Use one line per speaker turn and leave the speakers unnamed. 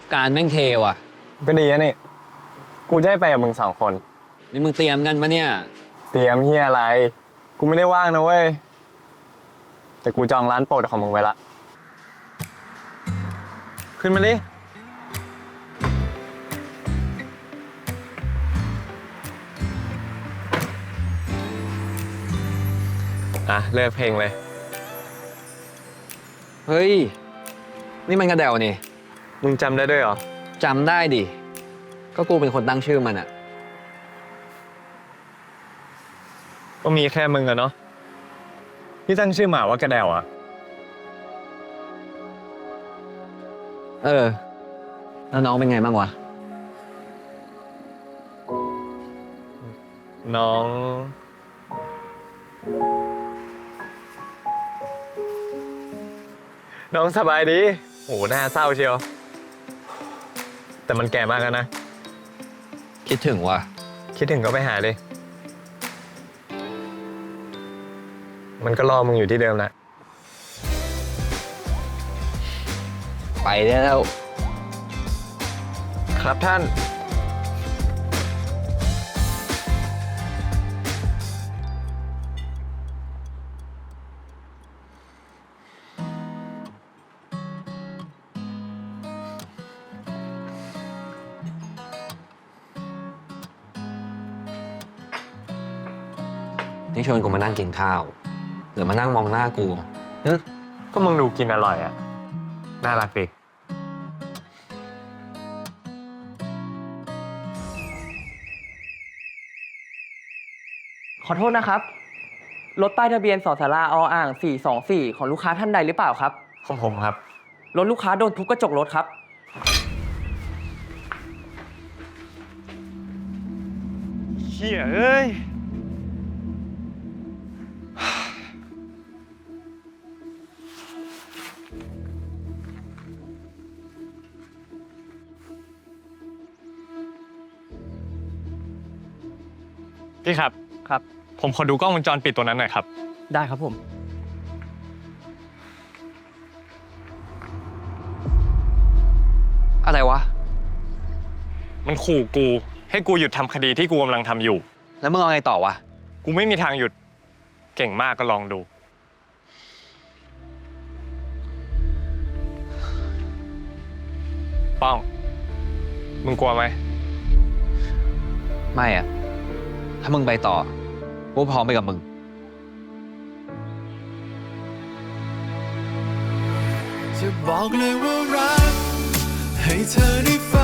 การแม่งเทว่ะ
ก็ดีนะนี่ กูจะให้ไปกับมึง2 คน
นี่มึงเตรียมกันปะเนี่ย
เตรียมเฮียอะไร กูไม่ได้ว่างนะเว้ย แต่กูจองร้านโปรดของมึงไว้ละ ขึ้นมาดิเลิกเพลงเลย
เฮ้ย นี่มันกระเดวนี่
มึงจำได้ด้วยเหรอ
จำได้ดิ ก็กูเป็นคนตั้งชื่อมันอะ
ก็มีแค่มึงอะเนาะที่ตั้งชื่อหมาว่ากระเดวอะ
แล้วน้องเป็นไงบ้างวะ
น้อง น้องสบายดีโหหน้าเศร้าเชียว แต่มันแก่มากแล้วนะ
คิดถึงว่ะ
คิดถึงก็ไปหาเลย มันก็รอมึงอยู่ที่เดิมแหละ
ไปได้แล้ว
ครับท่าน
นี่ชวนกูมานั่งกินข้าว หรือมานั่งมองหน้ากู
ก็มึงดูกินอร่อยอะน่ารักดิ
ขอโทษนะครับ รถป้ายทะเบียนสสราออ่าง 424 ของลูกค้าท่านใดหรือเปล่าครับ
ของผมครับ
รถลูกค้าโดนทุบกระจกรถครับ
เชี่ยเอ้ย
พี่ครับ
ครับ
ผมขอดูกล้องวงจรปิดตัวนั้นหน่อยครับ
ได้ครับผม
อะไรวะ
มันขู่กู ให้กูหยุดทำคดีที่กูกำลังทำอยู่
แล้วมึงเอาไงต่อวะ
กูไม่มีทางหยุด เก่งมากก็ลองดู ป้อง มึงกลัวไหม
ไม่อะถ้ามึงไปต่อ กูพร้อมไปกับมึง
จะบอกเลยว่ารักให้เธอได้ฟัง